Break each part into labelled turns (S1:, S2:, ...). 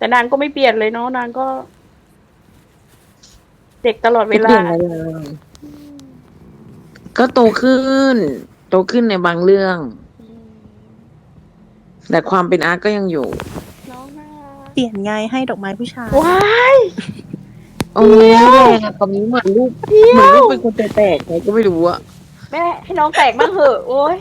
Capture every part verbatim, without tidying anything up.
S1: แต่นางก็ไม่เปลี่ยนเลยเนาะนางก็ เด็กตลอดเว
S2: ไม่เป
S1: ลา
S2: ลี่ยนอะไรเลยก็โตขึ้น โตขึ้นในบางเรื่อง
S1: อืม
S2: แต่ความเป็นอาร์ตก็ยังอยู่
S1: น้องน่ารัก
S3: เปลี่ยนไงให้ดอกไม้ผู้ชาย
S1: ว้าย
S2: โอ้ยแรงอะตอนนี้เหมือนลูก
S1: เดี๋ยว
S2: เหมือนลูกเป็นคนแตกๆไงก็ไม่รู้อะ
S1: แม่ให้น้องแตกบ้างเหอะโอ้ย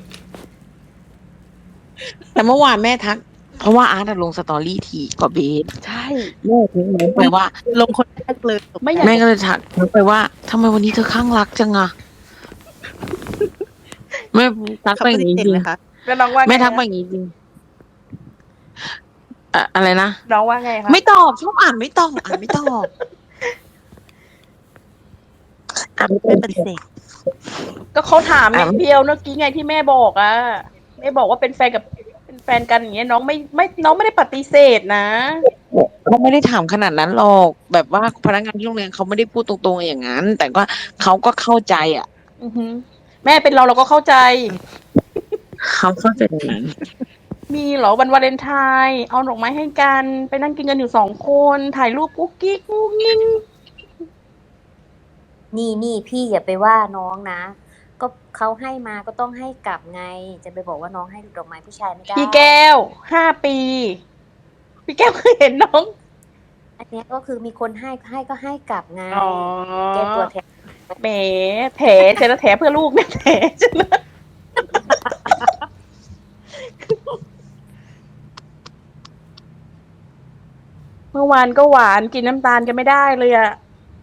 S2: แต่เมื่อวานแม่ทัก เพราะว่าอาร์ตอะลงสตอรี่ทีกว่าเบส
S1: ใช่
S2: แม่ทิ้งน้องไปว่า
S3: ลงคนแรกเลย
S1: ไม่อยาก
S2: แม่ก็เลยทักน้องไปว่าทำไมวันนี้เธอข้างรักจังอะแม่ทัก
S3: เขา
S2: ไป
S3: ป
S2: อย่าง
S3: ฏิ
S2: นี้
S3: เสธ
S2: จริง
S3: ไหมคะ
S1: แล้วน้องว่าไง
S2: แม่ทักไป
S1: อะ
S2: อย่างนี้จริงอะอะไรนะ
S1: น้องว่าไงคะ
S2: ไม่ตอบชอบอ่านไม่ตอบอ่านไม่ตอบอ่านไม่ต
S3: ไม่
S2: อบ
S3: ปฏิเสธ
S1: ก็เขาถาม
S2: อ่ะ
S1: นิดเดียวเมื่อกี้ไงที่แม่บอกอะแม่บอกว่าเป็นแฟนกับเป็นแฟนกันอย่างเงี้ยน้องไม่ไม่น้องไม่ได้ปฏิเสธนะ
S2: เขาไม่ได้ถามขนาดนั้นหรอกแบบว่าพนักงานที่โรงเรียนเขาไม่ได้พูดตรงๆอย่างนั้น แต่ก็เขาก็เข้าใจอ่ะ
S1: อือหือแม่เป็นเราเราก็เข้าใจ
S2: เขาเข้าใจตรงนั้น
S1: มีเหรอวันวาเลนไทน์เอาดอกไม้ให้กันไปนั่งกินกันอยู่สองคนถ่ายรูปกุ๊กกิ๊กกุ๊กงิ้ง
S4: นี่นี่พี่อย่าไปว่าน้องนะ ก็เขาให้มาก็ต้องให้กลับไง จะไปบอกว่าน้องให้ดอกไม้ผู้ชายไม่ได้
S1: พี่แก้วห้าปีพี่แก้วเคยเห็นน้อง
S4: อันเนี้ยก็คือมีคนให้ให้ก็ให้กลับไง
S1: อ๋อ
S4: แกตัวแทน
S1: แหมแถเจนะแถเพื่อลูกเนี่ยแถจะนะ เมื่อวานก็หวานกินน้ำตาลกันไม่ได้เลยอะ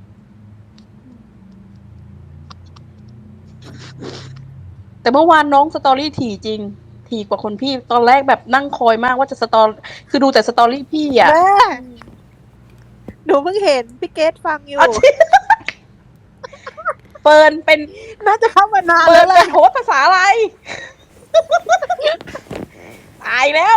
S1: แต่เมื่อวานน้องสตอรี่ถี่จริง ถี่กว่าคนพี่ตอนแรกแบบนั่งคอยมากว่าจะสตอรคือดูแต่สตอรี่พี่อะ
S3: แม่หนูเพิ่งเห็นพี่เกดฟังอยู่
S1: เอาจริง เฟิร์นเป็น
S3: น่าจะเข้ามานาน
S1: เฟิ
S3: แล้
S1: ร์น
S3: วแห
S1: เป็
S3: ละ
S1: นโฮสต์ภาษาอะไร ตายแล้ว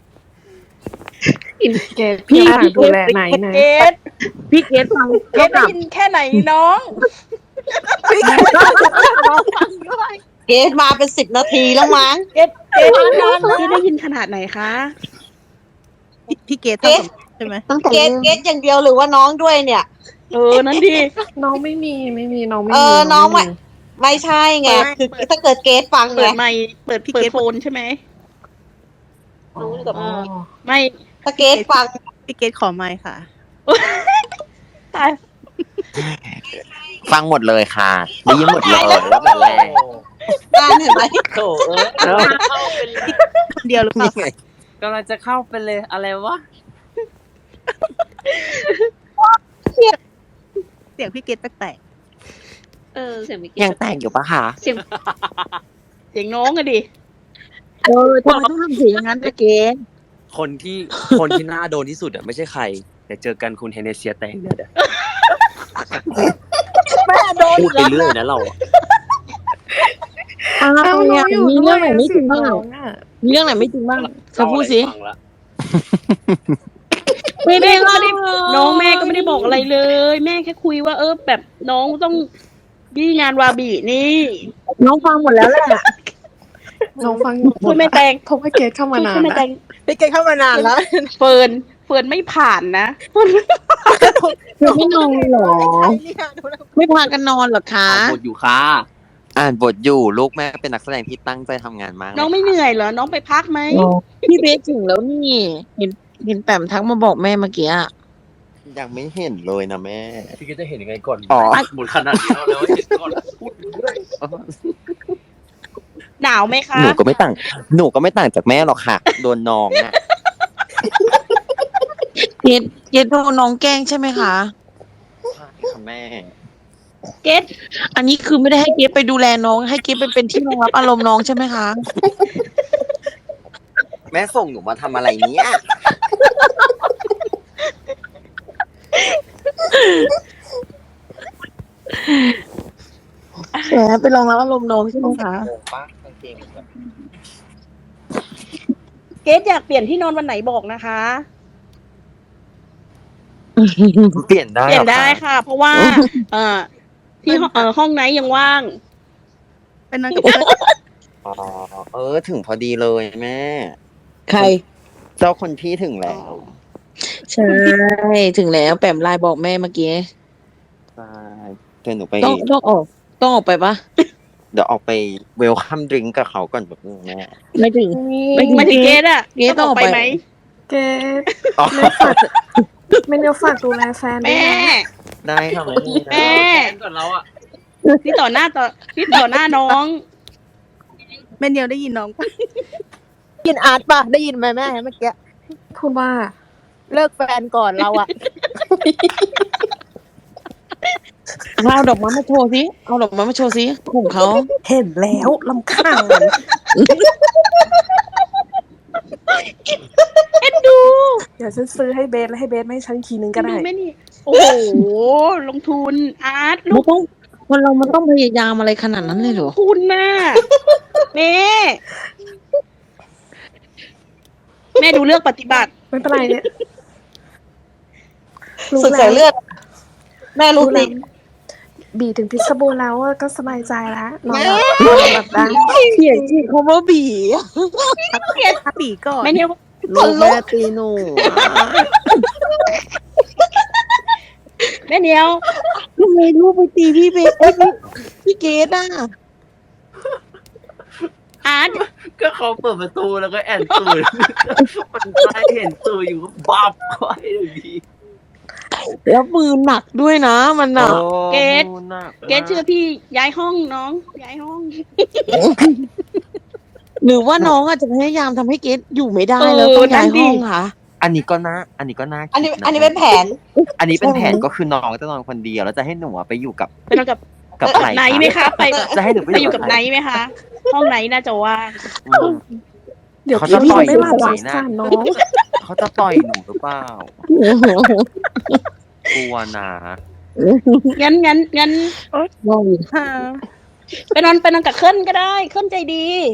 S5: เกดพี่ฝากดูแลไหนนะ
S1: เกด
S2: พี่เกดฟัง
S1: เกดได้ยินแค่ไหนน้อง
S3: พี่เกดน้องฟังด้วย
S6: เกดมาเป็นสิบนาทีแล้วมั้ง
S1: เกดเกดเกดได้ยินขนาดไหนคะ
S3: พี่พี่เกด
S6: เกรด
S3: ทำกับใช่ไหม
S5: ตั้งแต่
S6: เกดเกดอย่างเดียวหรือว่าน้องด้วยเนี่ย
S1: เออนั้นดี
S5: น้องไม่มีไม่มีน้องไม่
S6: เอ
S5: มี
S6: อน้อง
S5: ไม่
S6: ไม่ไม่ใช่ไง
S3: เปิด
S6: คือถ้าเกิดเกดฟัง
S1: เปิ
S6: ไง
S1: ดไมค์เปิดเปิดโฟนใช่ไหม
S5: อ๋อ
S1: ไม่
S6: ถ้าเกดฟัง
S3: พี่เกดขอไมค์ค่ะ
S1: ตาย
S7: ฟังหมดเลยค่ะได้ยินหมดเลยแล้วแบบแรง
S6: งานเห็นไหม
S8: โถเอ้ย
S3: คนเดียวหรือเปล่า
S7: นี่ไง
S8: กำลังจะเข้าไปเลยอะไรวะ
S3: เสียงพี่เกดแปลก
S5: เออเสียงไม่กี่
S7: ยังแต่งอยู่ปะคะ
S5: เสียง
S1: เสียงน้องอะดิ
S2: เออทำไมต้องทำเสียงอย่างนั้นด้วยเกด
S8: คนที่คนที่น่าโดนที่สุดอ่ะไม่ใช่ใครเดี๋ยวเจอกันคุณเฮเนเซียแตงเนี่ยเดี๋ยว
S3: ๆแม่โดน
S8: พูดไปเรื่อยนะเราอะ
S2: อ้าว
S5: เอ้าน้
S2: เนี่
S5: อย งอยู่
S2: มี
S5: ด้
S2: เรื่
S5: ว
S2: อง
S5: ย
S2: ไหนไม่จริงบ้าง
S5: น้
S2: อะ
S5: องอ่ะ
S2: มีเรื่องไหนไม่จริงบ้างเธอพูดสิ
S8: ฟังละ
S2: ไม่ได้
S1: แม่ก็
S2: เล่า
S1: ไม่ได้น้องแม่ก็ไม่ได้บอกอะไรเลย แม่แค่คุยว่าเออแบบน้องต้องยี่งานวาบีนี่
S2: น้องฟังหมดแล้วแหละ
S5: น้องฟังอยู่หม
S1: ช่ว
S5: ด
S1: ยแม่แตง
S5: เพราะว่าเกดเข้ามา
S1: ช่วย
S5: นา
S1: ช่วย
S5: น
S1: แม่แต
S5: นะ
S1: ง
S3: พี่เกดเข้ามานานแล้ว
S1: เฟิร์นเฟิร์นไม่ผ่านนะ
S2: เธอไม่นอนเหรอ
S3: เนี่ยดูแล้ว
S2: ไม่พากันนอนเหรอคะ
S8: อ่านบทอยู่ค่ะ
S7: อ่านบทอยู่ลูกแม่เป็นนักแสดงที่ตั้งใจทำงานมาก
S1: น้องไม่
S7: ลย
S1: เหนื่อยเหรอ น้องไปพักไหม
S2: พี่เบสถึงแล้วนี่ เห็นเห็นแปมทักมาบอกแม่เมื่อกี้อะ
S7: ยังไม่เห็นเลยนะแม่
S8: พี่ก็จะเห็นยังไงก่อน
S7: อ๋อ
S8: หมดขนาดนี้แล้วแล้วเห็นก่อนพูดเรื่อย
S1: หนาวไหมคะ
S7: หนูก็ไม่ต่างหนูก็ไม่ต่างจากแม่หรอกค่ะ โดนน้องอ่ะ
S2: เกดเกดโดนน้องแกล้งใช่ไหมคะ
S7: ใช่ค่ะแม่
S1: เกด
S2: อันนี้คือไม่ได้ให้เกดไปดูแลน้อง ให้เกดไปเป็นที่รองรับอารมณ์น้องใช่ไหมคะ
S7: แม่ส่งหนูมาทำอะไรเนี้ย
S2: แหมไปรองรับอารมณ์น้องใช่ไหมคะ
S7: งงปะกางเกงแบบ
S1: เกดอยากเปลี่ยนที่นอนวันไหนบอกนะคะ
S7: เปลี่ยนได้
S1: เปลี่ยน
S7: หรอ
S1: ได้
S7: คะ
S1: ค่ะ เพราะว่า เอ่อที่ห้องเอ่อห้องไหนยังว่าง
S3: เป็นนั่งกับเพื่อน
S7: อ๋อเออถึงพอดีเลยแม่
S2: ใคร
S7: เจ้าคนพี่ถึงแล้ว
S2: ใช่ ถึงแล้วแปมไลน์บอกแม่เมื่อกี้
S7: ใช่เดี๋ยวหนูไป
S2: ต้องต้องออก ต้องออกไปปะ
S7: เดี๋ยวออกไปเวลคัมดริงกับเขาก่อนแบบนึงแม่
S2: ไม่ถึง
S1: ไม่ไม่ถึงเกตอะ
S2: เกรทต้องออกไป
S1: ไหม
S5: เกดไม่ฝากไม่เนียวฝากดูแลแฟนด้ว
S1: แม่
S5: ยนะ
S7: ได้ค่ะแม่
S1: แม่
S8: ก่อนเราอ่ะ
S1: นี่ต่อหน้าต่อนี่ต่อหน้าน้อง
S3: แม่เนียวได้ยินน้องปะได้ยินอาร์ตปะได้ยินไหมแม่เมื่อกี้
S5: พูดว่า
S3: เลิกแฟนก่อนเราอะ
S2: เอาดอกไม้มาโชว์สิเอาดอกไม้มาโชว์สิของเขา
S5: เห็นแล้วลำคาญ
S1: เอ็นดู
S5: เดี๋ยวฉันซื้อให้เบสแล้วให้เบสไม่ให้ฉันทีนึงก็ได้
S1: ดูแม่นี่โอ้โหลงทุนอาร์ตลู
S2: ไม่
S1: ก
S2: ต้องคนเรามันต้องพยายามอะไรขนาดนั้นเลยเหรอ
S1: คุณน่ะแม่แม่ดูเลือกปฏิบัติ
S5: ไม่เป็นไรเนี่ยรู้
S6: สุด
S5: แล้
S6: สายว เลือด แม่รู้
S5: รู้
S6: สิ
S5: แล้วบีถึงพิษบูรณ์แล้วอะก็สบายใจแล้วนอนหลับนอนหลับได้
S2: เขียนที่เขาว่าบี
S3: อาปีก่อน
S1: แม่เนี่ย
S2: ลูกแม่ตีหนู
S1: แม่เนียว
S2: ทำไมลูกไปตีพี่เบสเอ้ยพี่พี่เกดอ่ะ
S1: อาร์ต
S8: ก็เขาเปิดประตูแล้วก็แอนตูดมันได้เห็นตูอยู่ก็บับเข้าไปเลยพี่
S2: แล้วมือหนักด้วยนะมันหนัก
S1: เกต
S8: โอ้หนัก
S1: เกตเชื่อพี่ย้ายห้องน้องย้ายห้อง
S2: หรือว่าน้องอาจจะพยายามทำให้เกดอยู่ไม่ได้
S1: เออ
S2: แล้วต้องย้าย
S1: นั่นดิ
S2: ห้องค่ะ
S7: อันนี้ก็น่าอันนี้ก็น่าคิด
S6: อันนี้
S7: ะ
S6: อันนี้เป็นแผน
S7: อันนี้เป็นแผนก็คือน้องจะนอนคนเดียวแล้วจะให้หนูอะไปอยู่กับ
S1: ไปนอนกับ
S7: กับใคร
S1: ไหนไหมคะไป
S7: จะให้หนูไป
S1: ไปอยู่กับ
S7: ใคร
S1: ไหนไหมคะ ห้องไหนน่าจะว่าง
S7: อืม
S5: เดี๋ยว
S7: เขา
S5: พี่
S7: จะปล่อย
S5: ไม่หลับ
S7: หนู
S5: ส
S7: ไหม
S5: ง
S7: นะ
S5: สารน้อง
S7: เขาจะต่อยหนูหรือเปล่า กลัวนะ
S1: งั้นงั้นงั้น
S3: ฮ่า
S1: ไปนอนไปนอนกับเคลื่อนก็ได้เคลื่อนใจดี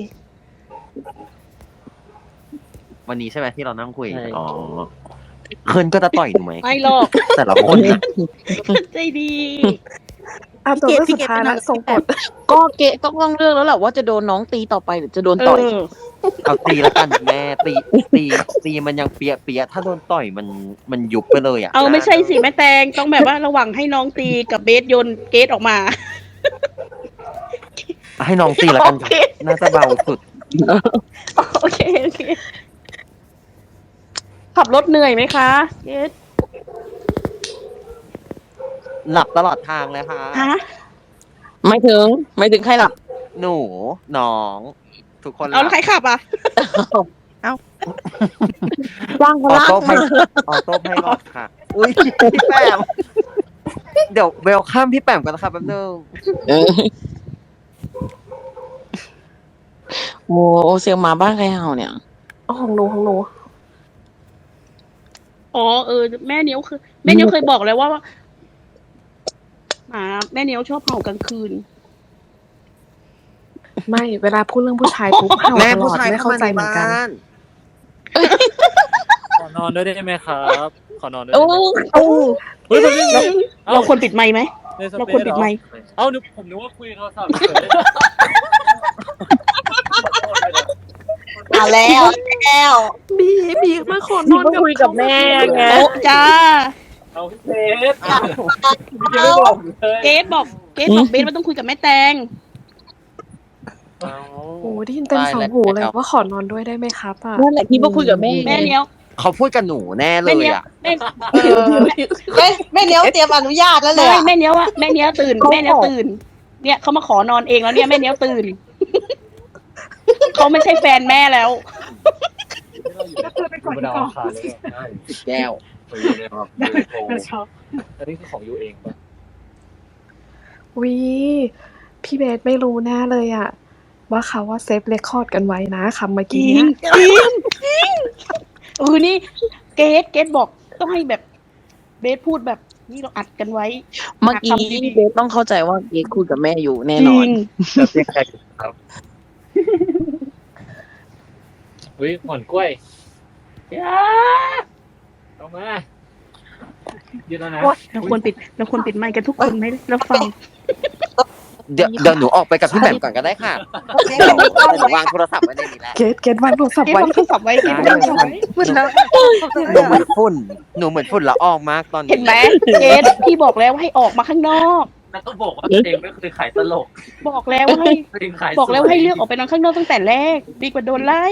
S7: วันนี้ใช่ไหมที่เรานั่งคุยอ๋อเคิร์นก็จะต่อยหนูไหม
S1: ไม่หรอก
S7: แต่ละคนนะ
S1: เคลื่อนใจดี
S5: อ่ะตัวเลือกสุดท้ายละส่งกด
S2: ก็เกดก็ต้องเลือกแล้วแหละว่าจะโดนน้องตีต่อไปหรือจะโดน
S1: เอ
S2: ต่อย
S1: อ
S7: เอาตีแล้วกันแม่ตีตีตีมันยังเปียเปียถ้าโดนต่อยมันมันยุบไปเลยอ่ะ
S1: เอาไม่ใช่สิแม่แตงต้องแบบว่าระหว่างให้น้องตีกับเบสโยนเกตออกมา
S7: ให้น้องตีแล้วกัน
S1: โอเค
S7: น่าจะเบาสุด
S1: โอเคโอเคขับรถเหนื่อยไหมคะเกต
S7: หลับตลอดทางเลยค่ะ
S1: ฮะ
S2: ไม่ถึง ไม่ถึงใครหลับ
S7: หนูน้อง ทุกคนห
S1: เอา
S7: ลั
S1: แล้วใครขับอ่ะ
S2: ว่างพ
S7: ออ
S2: ลัง
S7: โต้ไพออโต้ไพลอตค่ะ อุ้ยพี่แปมเดี๋ยวเวลข้ามพี่แปมกันนะครับแป๊บนึง
S2: เออโอ้เสียงหมาบ้านใครเห่าเนี่ย
S5: เอาของหนูของหนู
S1: อ๋อเออแม่เนี้ยวคือแม่เนี้ยวเคยบอกแล้วว่าหมาแม่เนี้ยวชอบเห่ากลางคืน
S5: ไม่เวลาพูดเรื่องผู้ชายปุ๊บเห่า
S7: แม่
S5: ตล
S7: ผู้
S5: อด
S7: ชาย
S5: ไม่
S7: เข้า
S5: เข้า
S7: มา
S5: ใจ
S7: ใน
S5: เหมือนกัน
S7: บ้าน
S8: ขอนอนด้วยได้ไหมครับ ขอนอนด้วย
S2: โอ้
S8: ได้ไหม
S1: โอ้
S8: เฮ้ยมันไม่
S1: เราเราควรปิดไมค์ไหม
S8: ในส
S1: เรา
S8: เป
S1: ควร
S8: ซ
S1: ปิด
S8: เหรอ
S1: ไมค์
S8: เอ้านึกผมนึกว่าคุยโทรศัพท์เฉย
S6: อ่ะแล้วแล้ว
S5: บีบีมาขอนอนกับ
S2: คุยกับแม่ไง
S1: โอ้จ้า
S8: เอาพี่เบสเอาพี่เบสไม่บอกผมเลย
S1: เกตบอกเกตบอกเบสว่าต้องคุยกับแม่แตง
S8: เอา
S5: โอ้ได้ยินเต็มสองหูเลยว่าขอนอนด้วยได้ไหมครับอ่ะ
S2: นั่นแหละคิดว่าคุยกับแม่
S1: แม่เนี้ยว
S7: เขาพูดกับหนูแน่เล
S1: แม่
S7: ย
S1: เนี้ยว
S7: อ่ะ
S1: แม่
S6: เออแม่แม่เลี้ยวเตรียมอนุญาตแล้วเลย
S1: ไม่
S6: อะ
S1: แม่เนี้ยวอะแม่เนี้ยวตื่นแม่เนี้ยวตื่น เนี่ยเขามาขอนอนเองแล้วเนี่ยแม่เนี้ยวตื่นเขาไม่ใช่แฟนแม่แล้ว
S8: ธรรมดาขาเลยได้
S7: แก้ว
S8: ไปอยู่ในแบบยูโรอันนี้คือของยูเองปะ
S5: วิพี่เบสไม่รู้แน่เลยอ่ะ ว่าเขาว่าเซฟเรคคอร์ดกันไว้นะคำเมื่อ
S1: จ
S5: กี้
S1: ริง
S5: เนี่ย
S1: จริงจริงเออนี่เกตเกตบอกต้องให้แบบเบสพูดแบบนี่เราอัดกันไว้
S2: เมื่อกี้เบสต้องเข้าใจว่าเกดคุยกับแม่อยู่แน่นอน
S8: จะเรียกใครครับอุ้ยหมอนกล้วย
S1: จ้า
S8: เอามายืนแล้วนะ
S1: เราควรปิดเราควรปิดไมค์กันทุกคนไหมเราฟัง
S7: เดี๋ยวเดี๋ยวหนูออกไปกับพี่แหม่มก่อนก็ได้ค่ะเดี๋ยวหนูวางโทรศัพท์ไว้ในนี้แหละ
S5: เกตเกตวางโทรศัพท์
S1: เก็บ
S5: ไว้
S1: วางโทรศัพท์ไว้เก็บ
S7: ได้
S1: วางโทรศัพท์ไว้
S3: เหมือนแล้ว
S7: หนูเหมือนฝุ่นหนูเหมือนฝุ่นละอองมากตอนนี้
S1: เห็นไหมเกดพี่บอกแล้วว่าให้ออกมาข้างนอก
S8: แล้วก็บอกว่าตัวเองไม่เคยขายตลก
S1: บอกแล้วว่าให้
S8: ตัวเองขาย
S1: บอกแล้วว่าให้เลือกออกไปนอนข้างนอกตั้งแต่แรก ดีกว่าโดนไล่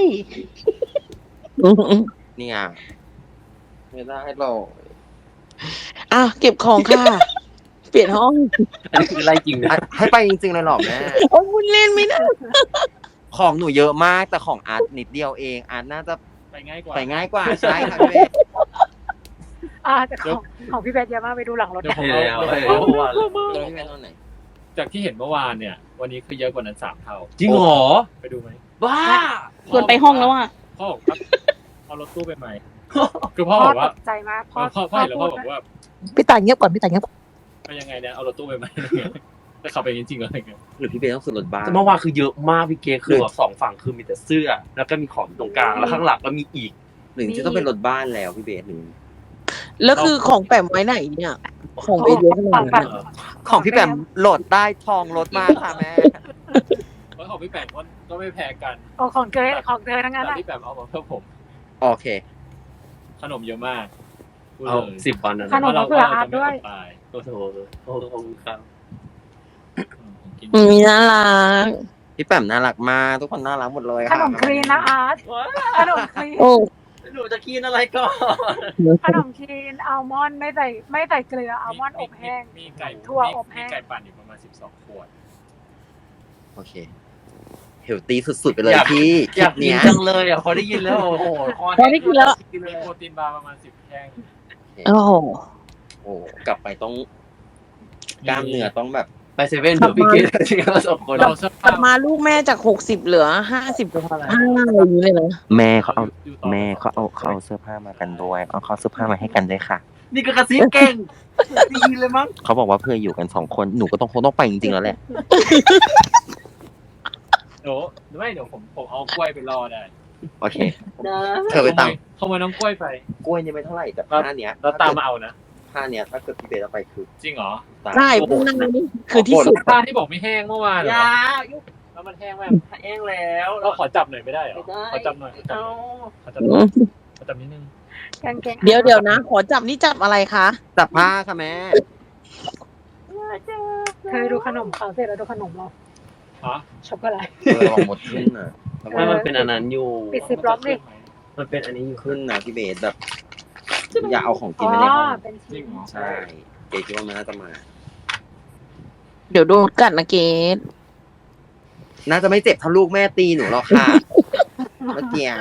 S7: เนี่ยไม่ได้หรอก
S2: อ่ะเก็บของค่ะ เปลี่ยนห้อง
S8: อันนี้คือไล่จริงนะ
S7: อ่ะให้ไปจริงๆเลยเหรอแม่
S2: โอ้ยคุณเล่นไม่ได้
S7: ของหนูเยอะมากแต่ของอาร์ตนิดเดียวเองอาร์ตน่าจะ
S8: ไปง่ายกว่า
S7: ไปง่ายกว่าใช่ค่ะพี่เบส
S9: อ่าแต่ของของพี่แบทเยอะมากไปดูหลังรถ
S10: เดี๋ยวผม
S8: เดี๋
S10: เอา
S8: ยว
S10: เดี๋ยวผม
S8: ว่า
S7: พี่เบสเอาไหน
S10: จากที่เห็นเมื่อวานเนี่ย วันนี้คือเยอะกว่านั้นสามเท่า
S8: จริงเหรอ
S10: ไปดูไหม
S8: บ้า
S1: ส่วนไปห้องแล้วอ่ะ
S10: พ่อบอกว่าเอารถตู้ไปไหมคือพ่อบอกว่า
S9: ตกใจมากพ่อ
S10: พ่อพ่อเห็นแล้วพ่อบอกว่า
S3: พี่ตายเงียบก่อนพี่ตายเงียบ
S10: ไปยังไงเนี่ยเอารถตู้ไปไหมแต่ขับไปจริงๆอะไรเงี้ย
S7: หรือพี่เบสต้องซื้อรถบ้าน
S8: เมื่อวานคือเยอะมากพี่เกคือแบบสองฝั่งคือมีแต่เสื้อ แล้วก็มีของตรงกลางแล้วข้างหลังก็มีอีก
S7: หรือจะต้องเป็นรถบ้านแล้วพี่เบสหรือ
S2: แล้วคือของแปมไว้ไหนเนี่ย ของไปเยอะขนาดนั้นอะ
S7: ของพี่แปมโหลดได้ทองรถมากค่ะแม่
S10: เพราะของพี่แปมก็ก็ไม่แพ้กัน
S9: โอ้ของเธอของเธอทั้งนั้น
S10: แต่
S9: อะ
S10: พี่แปมเอามาเพื่อผม
S7: โอเค
S10: ขนมเยอะมากพูด
S8: เอา
S10: เลย
S8: สิบวันนะ
S9: ขนม
S10: เรา
S9: เผื่ออา
S10: จะ
S9: ร์ต
S10: ไม่
S9: ด้ว
S10: อย ดตาย
S8: โอ้โหโอ้โหครับ
S10: กิน
S2: อืมน่ารัก
S7: พี่แปมน่ารักมากทุกคนน่ารักหมดเลย
S9: ข
S7: ค่ะ
S9: นมคลีนนะอาร์ตขนมคลีน
S2: โอ้
S8: หนูจะกินอะไรก่อน
S9: ขนมคลีนอัลมอนด์ไม่ใส่ไม่ใส่เกลืออัลมอนด์อบแห้ง
S10: มีไก่
S9: ถั่วอบแห้ง
S10: มีไก่ปั่นอยู่ประมาณสิบสองขวด
S7: โอเคเฮลตี้สุดๆไปเลย
S8: อยาก
S7: พี่
S8: อยากกิน
S7: เนี้ย
S8: จังเลยอ่ะพอได้ยินแล้วโอ้โหคอ
S2: พอได้กินแล้ว
S10: มีโปรตีนบาร์ประมาณสิบแท่ง
S2: โอ้โห
S7: โอ้กลับไปต้องกล้ามเนื้อต้องแบบ
S8: ไปเซเว่นเถอะพี่เกดที่เราสองคน
S10: เราเสื้อก
S2: ลั
S10: ผ้า
S2: บมาลูกแม่จากหกสิบเหลือห้าสิบห้าอะไรอย่างนี้เลยนะ
S7: แม่เขาเอา
S10: ยู่ต่
S7: แม่เขาเอาเขาเอาเสื้อผ้ามากันด้วยเอาเขาเสื้อผ้ามาให้กันด้วยค่ะ
S8: นี่ก็กระซิบเก่งได้ยินเลยมั้ง
S7: เขาบอกว่าเพื่ออยู่กันสองคนหนูก็ต้องคงต้องไปจริงๆแล้วแหละ
S10: เดี๋ยวไม่เดี๋ยวผมผมเอากล้วยไปรอได้
S7: โอเค เธอไปตาม
S10: ขโมยน้องกล้วยไป
S7: กล้วยนี่ไม่เท่าไหร่แต่ผ้าเนี้ย
S10: แล้วตามมาเอานะ
S7: ผ้าเนี้ยถ้าเกิดพี่เบสเอาไปคือ
S10: จริงเหรอ
S7: ตาย
S2: ใช่พวกนั้นนี่คือที่สุด
S10: ผ้าที่บอกไม่แห้งเมื่อวานเหร
S8: อ
S10: อ
S8: ย่า
S10: แล้วมันแห้งไหม
S8: แห้งแล้ว
S10: เราขอจับหน่อยไม่ได้เหรอ
S8: ไม่ได้
S10: ขอจับหน่อยขอจับ
S8: เอา
S10: ขอจับหน่อยขอจับนิดนึง
S9: กางเกง
S2: เดี๋ยวเดี๋ยวนะ ขอจับนี่จับอะไรคะ
S7: จับผ้าค่ะแม่
S9: เธอดูขนมเขาเสร็จแล้วดูขนมเรา
S10: ฮะ
S9: ช็อกโกแลต
S7: เออลองหมดขึ้นน่ะ
S8: ไม่มันเป็นอันนั้นอยู่
S9: ปิดซิปล็อกดิ
S8: มันเป็นอันนี้อยู่
S7: ขึ้นนะพี่เบสแบบอย่าเอาของกิ
S9: อ๋
S7: น
S9: อ
S7: ไปในห้อง
S9: เป็น
S10: จริ
S9: ชิ้
S10: ง
S9: น
S10: เหรอ
S7: ใช่เกคิดว่ามันน่าจะมา
S2: เดี๋ยวโดนกัดนะเกด
S7: น่าจะไม่เจ็บเท่าลูกแม่ตีหนูหรอกค่ะ เมื่อกี้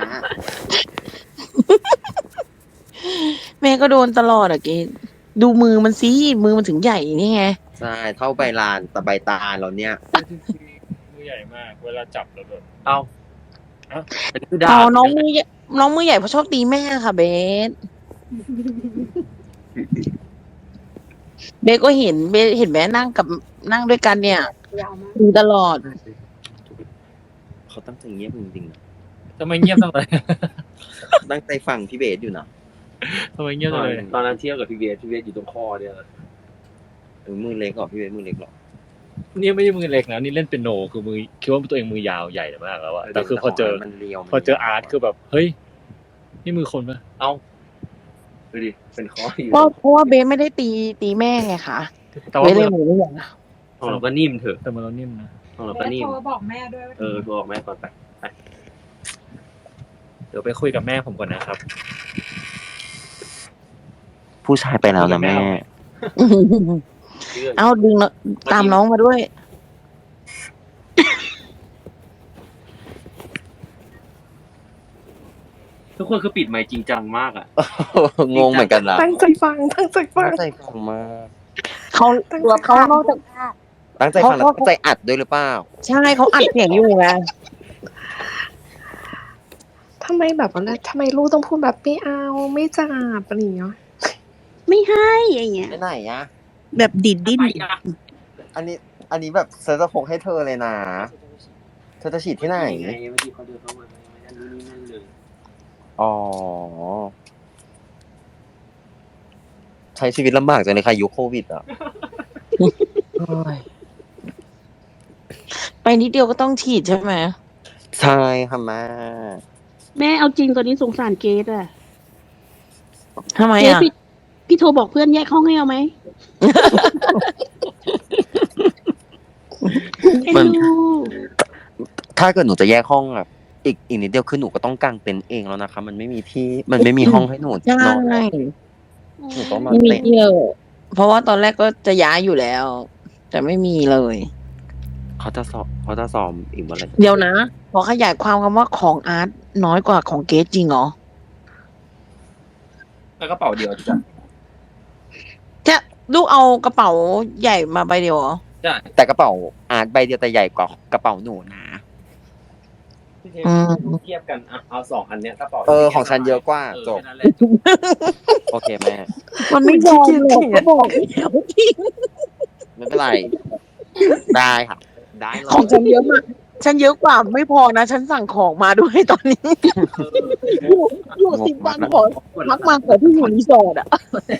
S2: แม่ก็โดนตลอดอะเกดดูมือมันสิมือมันถึงใหญ่นี่ไง
S7: ใช่เท่าใบลานแต่ใบตาเราเนี่ย
S10: มือใหญ่มาก เวลาจับแล้วแบบ
S8: เอาอันนี้คือดา
S2: อ๋อ
S8: บ
S2: น้องมือใหญ่น้องมือใหญ่เพราะชอบตีแม่ค่ะเบส เบสก็เห็นเบสเห็นแม่นั่งกับนั่งด้วยกันเนี่ย
S9: ยาวมาก
S2: ดูตลอด
S7: เขาตั้งใจเงียบจริงๆนะ
S10: ทำไมเงียบจังเลย
S7: ตั้งใจฟังพี่เบสอยู่นะ
S10: ทำไมเงียบจังเลย
S8: ตอนนั้นเที่ยวกับพี่เบียร์พี่เบียร์อยู่ตรงคอเนี่ย
S7: เออมือเล็กเหรอพี่เบสมือเล็กเหรอ
S10: นี่ไม่ใช่มือเล็กนะนี่เล่นเป็นโนคือมือคิดว่าตัวเองมือยาวใหญ่มากแล้วอะแต่คือพอเจอ
S7: มันเรียว
S10: พอเจออาร์ตคือแบบเฮ้ยนี่มือคนปะ
S8: เอาดูดิเป็นคออยู่
S2: เพราะเพราะว่าเบสไม่ได้ตีตีแม่ไงคะ
S10: แต่
S2: เบ
S10: ว่า
S2: สเลย
S10: มือ
S2: มือไม่ใหญ่
S8: ของเราก็นิ่มเถอะ
S10: แต่มือเรานิ่มนะ
S8: ของเรา
S9: แม่
S8: ก็นิ่ม
S9: โทรบอกแม่ด้วยว่า
S8: เออโทรบอกแม่ก่อนไป
S10: เดี๋ยวไปคุยกับแม่ผมก่อนนะครับ
S7: ผู้ชายไปแล้วนะแม่
S2: เอาดึงเนอะตามน้องมาด้วย
S8: ทุกคนคือปิดไมค์จริงจังมากอ่ะ
S7: งงเหมือนกันนะ
S5: ตั้งใจฟังตั้งใจฟั
S7: ตั้
S5: ง
S7: งใจฟังมาก
S2: เขาตัวเขานอกจาก
S7: ตั้งใจฟังแล้วตั้งใจอัดด้วยหรือเปล่า
S2: ใช่เขาอัดเสียงอยู่ไง
S5: ทำไมแบบว่าทำไมลูกต้องพูดแบบไม่เอาไม่จับอะไรอย่างเงี้ย
S1: ไม่ให้อย่างเงี้ย
S7: ไปไหนอะ
S3: แบบดิดดิ้น
S7: อันนี้ อันนี้แบบเซอร์จะพกให้เธอเลยนะ เธอจะฉีดที่ไหน
S8: ไงเมื่อกี้เขาเดินเข้ามาไม่ได้รู้นี่นั่นเลย
S7: อ๋อ ใช้ชีวิตลำบากจังเลยค่ะยุคโควิดอ่ะ
S2: ไปนิดเดียวก็ต้องฉีดใช่ไหม
S7: ใช่ค่ะแม่
S1: แม่เอาจริงตอนนี้สงสารเกดอะ
S2: ทำไม
S1: เกด
S2: อ่ะ
S1: พี่พี่โทรบอกเพื่อนแยกห้องให้เอาไหม เอ็น
S7: มัน
S1: ดู
S7: ถ้าเกิดหนูจะแยกห้องอะอีกอีกนิดเดียวคือหนูก็ต้องกางเต็นท์เองแล้วนะคะ มันไม่มีที่มันไม่มีห้องให้หนู
S2: ใช่
S7: นอนแล้วหนูต้องมา
S2: ไม่มี
S7: เต็นท์
S2: เที่ยวเพราะว่าตอนแรกก็จะย้ายอยู่แล้ว แต่ไม่มีเลย
S7: เขาจะสอบเขาจะสอบอีกเมื่อไหร่
S2: เดี๋ยวนะพอขยายความคำว่าของอาร์ตน้อยกว่าของเกสจริงเหรอ
S8: แล้วกระเป๋าเดียวจ้ะ
S2: จะลูกเอากระเป๋าใหญ่มาใบเดียวเหรอ
S8: ใช่
S7: แต่กระเป๋าอาร์ตใบเดียวแต่ใหญ่กว่ากระเป๋าหนูนะ
S2: อืม
S8: เทียบกันอ่ะเอาสองอันเนี้ยกระเป๋า
S7: เออของฉันเยอะกว่า
S8: เออ
S7: จบ
S8: แค่นั้นแหละ
S7: โอเคแม่
S2: มันไม่ยอมหรอกก็บอกแล้วจริง
S7: ไม่เป็นไร ได้ค่ะ ได้เลย
S2: ของฉันเยอะมากฉันเยอะกว่าไม่พอนะ ฉันสั่งของมาด้วยตอนนี้อยู่อยู่สิบวันขอพักมาขอที่อยู่รีสอร์ทอะ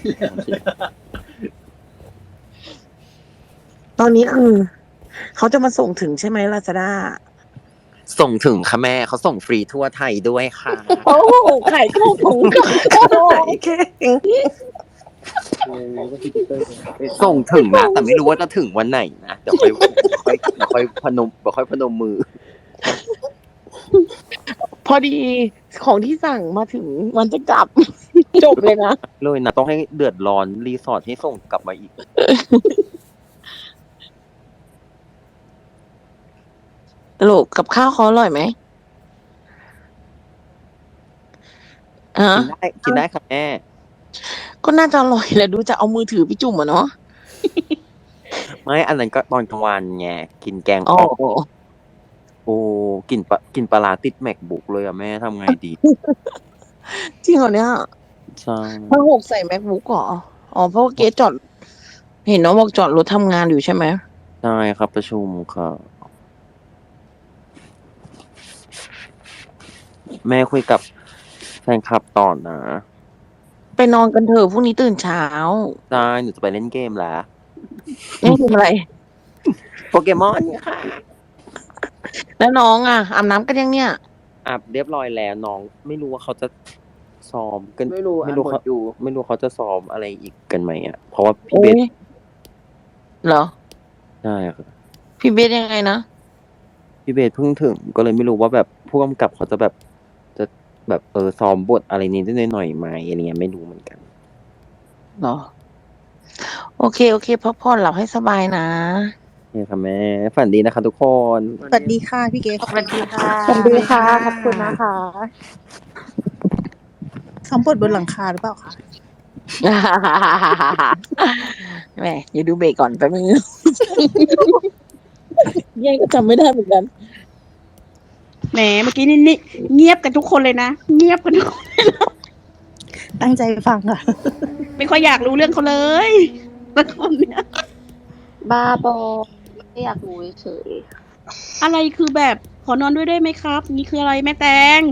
S2: ตอนนี้คือเขาจะมาส่งถึงใช่ไหมลาซาด้า
S7: ส่งถึงค่ะแม่เขาส่งฟรีทั่วไทยด้วยค่ะ
S2: โอ้ไข่ข้าวถุงไข่เก่ง
S7: ส่งถึงนะแต่ไม่รู้ว่าจะถึงวันไหนนะเดี๋ยวค่อยค่อยเดี๋ยวค่อยพนมเดี๋ยวค่อยพนมมือ
S2: พอดีของที่สั่งมาถึงมันจะกลับ จบเลยนะ
S7: เลยนะต้องให้เดือดร้อนรีสอร์ทให้ส่งกลับมาอีก
S2: ลูกกับข้าวเขาอร่อยไหมฮะ
S7: กินได้กินได้ค่ะแม่
S2: ก็น่าจะอร่อยแหละดูจะเอามือถือไปจุ่มอะเนาะ
S7: ไม่อันนั้นก็ตอนกลางวันไงกินแกง
S2: อ๋อ
S7: อ่อมโอ้กินปลากินปลาร้าติดแมคบุ๊กเลยอะแม่ทำไงดี
S2: จริงเหรอเนี่ย
S7: ใช่
S2: ถ้าหกใส่ MacBook เหรออ๋อเพราะว่าเกสจอด เห็นน้องบอกจอดรถทำงานอยู่ใช่ไหม
S7: ใช่ครับประชุมค่ะแม่คุยกับแฟนคลับต่อนะ
S2: ไปนอนกันเถอะพรุ่งนี้ตื่นเช้า
S7: ใช่หนูจะไปเล่นเกมแล้ว
S2: เล่นเกมอะไร
S7: โปเกมอนค่ะ
S2: แล้วน้องอ่ะอาบน้ำกันยังเนี่ย
S7: อาบเรียบร้อยแล้วน้องไม่รู้ว่าเขาจะซ้อมกัน
S2: ไม่รู้
S7: ไม่รู้
S2: อ่ะ
S7: เขา
S2: หมดอยู่
S7: ไม่รู้เขาจะซ้อมอะไรอีกกันไหมอ่ะเพราะว่าพี่
S2: โอ้
S7: เบส
S2: ยเหรอ
S7: ใช่ครับ
S2: พี่เบสยังไงนะ
S7: พี่เบสเพิ่งถึงก็เลยไม่รู้ว่าแบบผู้กำกับเขาจะแบบจะแบบเออซ้อมบทอะไรนิดหน่อยๆไหมอะไรเงี้ยไม่รู้เหมือนกัน
S2: เหรอ โอเค โอเคพักผ่อนหลับให้สบายนะ
S7: เนี่ยค่ะแม่ฝันดีนะคะทุกคน
S3: สวัสดีค่ะพี่เก๋
S4: สวัสดีค่ะ
S3: สวัสดีค่ะ ขอบคุณนะคะซ้อมบทบนหลังคาหรือเปล่าคะ
S2: แหมอย่าดูเบรกก่อนแป๊บนึง ยังก็จำไม่ได้เหมือนกัน
S1: แหมเมื่อกี้นี่นี่เงียบกันทุกคนเลยนะ เงียบกันทุกคน
S3: ตั้งใจฟังค่ะ
S1: ไม่ค่อยอยากรู้เรื่องเขาเลยแต่คนเนี้ย
S6: บ้าบอไม่อยากรู้เฉย
S1: อะไรคือแบบขอนอนด้วยได้ไหมครับ นี่คืออะไรแม่แตง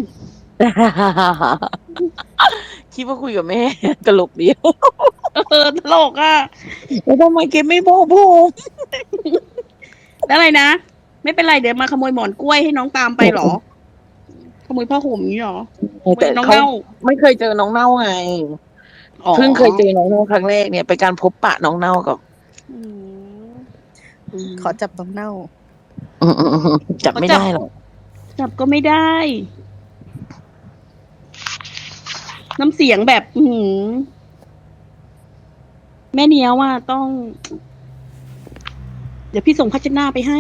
S2: คิดว่าคุยกับแม่ ตลกเดียว
S1: เออตลกอ่ะ
S2: แล้วทำไมเกมไม่บอกผม
S1: แล้วอะไรนะ ไม่เป็นไรเดี๋ยวมาขโมยหมอนกล้วยให้น้องตามไปเหรอ ขโมยผ้าห่มนี้เหรอขโม
S2: แต่
S1: ยน้อง
S2: เขา
S1: เน่า
S2: ไม่เคยเจอน้องเน่าไง
S1: อ๋อ
S2: เพิ่งเคยเจอน้องเน่าครั้งแรกเนี่ยไปการพบปะน้องเน่ากับ
S1: อืม
S3: ขอจับน้องเน่า
S2: อืมๆๆจับไม่ได้หรอก
S1: จับก็ไม่ได้ น้ำเสียงแบบ อือหือแม่เนี้ยว่าต้อง เดี๋ยวพี่ส่งพัชนาไปให้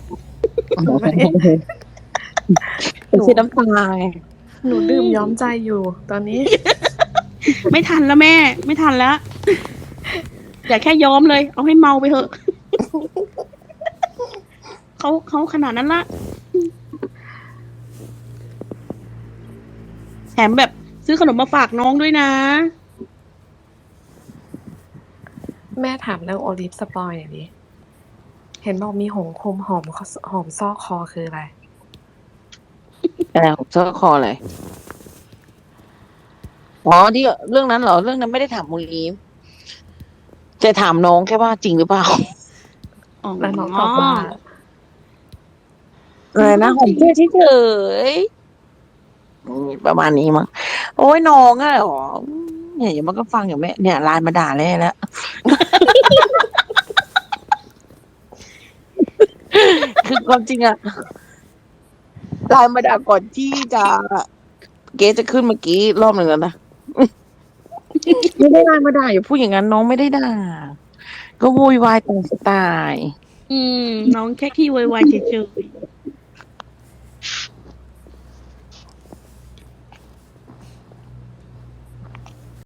S2: เป็นสีน้ำตาไง
S5: หนูดื่มย้อมใจอยู่ ตอนนี้
S1: ไม่ทันแล้วแม่ ไม่ทันแล้ว อย่าแค่ย้อมเลย เอาให้เมาไปเถอะ เขาเขาขนาดนั้นละแถมแบบซื้อขนมมาฝากน้องด้วยนะ
S5: แม่ถามเรื่องโอลิฟสปอยหน่อยดิ เห็นบอกมีหงคมหอมคอหอมซอกคอคืออะไร
S2: อะไรของเจ้าคออะไรอ๋อที่เรื่องนั้นเหรอ เรื่องนั้นไม่ได้ถามมูลีฟจะถามน้องแค่ว่าจริงหรือเปล่า
S1: อ๋อ
S5: แล้วน้องตอบว่า
S2: อะไรนะหอมเพื่อเฉยๆอืมประมาณนี้มั้งโอ้ยน้องอะเหรอเนี่ยเดี๋ยวมันก็ฟังอยู่แม่เนี่ยไลน์มาด่าแล่แล้ว คือความจริงอะไลน์มาด่าก่อนที่จะเกสจะขึ้นเมื่อกี้รอบหนึ่งแล้วนะ ไม่ได้ไลน์มาด่าอย่าพูดอย่างนั้นน้องไม่ได้ด่า ก็โวยวายตามสไตล์
S1: อืม น้องแค่ขี้โวยวายเฉยๆ